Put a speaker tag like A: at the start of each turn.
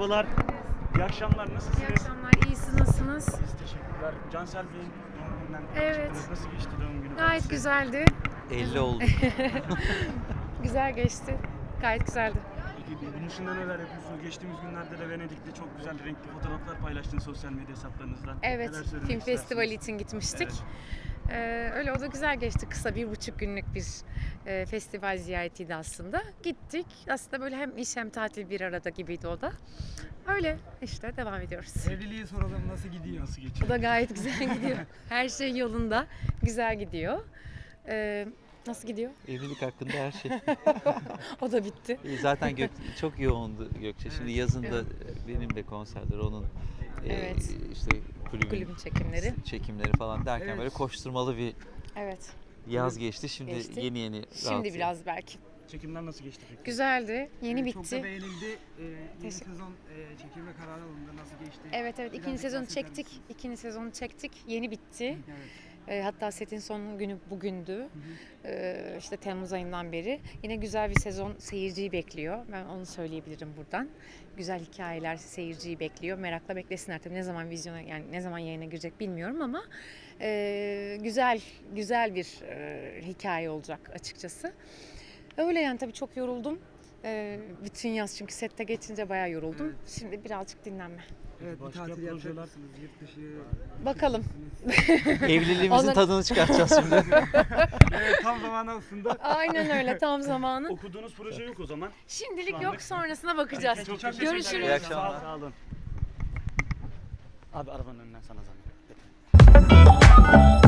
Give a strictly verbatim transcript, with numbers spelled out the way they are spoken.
A: merhabalar. İyi akşamlar, nasılsınız?
B: İyi akşamlar, iyisiniz, nasılsınız?
A: Biz teşekkürler. Cansel Bey'in doğum gününden
B: Evet.
A: çıktınız. Nasıl geçti doğum günü?
B: Gayet
A: Size?
B: güzeldi.
C: elli oldu.
B: Güzel geçti. Gayet güzeldi.
A: Peki bunun dışında neler yapıyorsunuz? Geçtiğimiz günlerde de Venedik'te çok güzel renkli fotoğraflar paylaştınız sosyal medya hesaplarınızdan.
B: Evet,
A: Neler söylemek
B: film
A: istersiniz?
B: festivali için gitmiştik.
A: Evet.
B: Ee, öyle o da güzel geçti. Kısa bir buçuk günlük bir e, festival ziyaretiydi aslında. Gittik. Aslında böyle hem iş hem tatil bir arada gibiydi o da. Öyle işte devam ediyoruz.
D: Evliliği soralım, nasıl gidiyor?
A: Nasıl geçiyor?
B: O da gayet güzel gidiyor. Her şey yolunda. Güzel gidiyor. Ee, nasıl gidiyor?
C: Evlilik hakkında her şey.
B: O da bitti.
C: E, Zaten Gök, çok yoğundu Gökçe. Şimdi yazın da benim de konserler, onun e,
B: Evet.
C: işte kulübün,
B: Kulübün çekimleri.
C: çekimleri falan derken
D: Evet.
C: böyle koşturmalı bir
B: Evet.
C: yaz geçti. Şimdi
B: Geçti.
C: yeni yeni
B: Şimdi
C: rahatız.
B: biraz belki.
A: Çekimler nasıl geçti peki?
B: Güzeldi. Yeni
D: Çok da
B: bitti.
D: beğenildi. Ee, yeni
B: Teşekkür-
D: sezon e, çekilme kararı alındı. Nasıl geçti?
B: Evet evet ikinci
D: Birazcık
B: sezonu
D: bahseder
B: çektik.
D: misiniz?
B: İkinci sezonu çektik. Yeni bitti.
D: Evet.
B: Ee, hatta setin son günü bugündü. Ee, işte Temmuz ayından beri. Yine güzel bir sezon seyirciyi bekliyor. Ben onu söyleyebilirim buradan. Güzel hikayeler seyirciyi bekliyor. Merakla beklesinler tabii ne zaman vizyona yani ne zaman yayına girecek bilmiyorum ama e, güzel güzel bir e, hikaye olacak açıkçası. Öyle yani tabii çok yoruldum. Ee, bütün yaz çünkü sette geçince bayağı yoruldum.
D: Evet.
B: Şimdi birazcık dinlenme.
D: Evet, bir
A: Başka
D: tatil yapacak
A: projeler?
D: mısınız? Yurt dışı.
B: Bakalım.
C: Evliliğimizin
B: Onları-
C: tadını çıkartacağız şimdi.
D: Evet, tam zamanı aslında.
B: Aynen öyle tam zamanı.
A: Okuduğunuz proje yok o zaman.
B: Şimdilik
A: Şu
B: yok
A: anlık-
B: sonrasına bakacağız.
A: Çok teşekkür
B: Görüşürüz.
A: ederim.
C: İyi akşamlar.
A: Sağ olun. Abi arabanın önünden sana zahmet.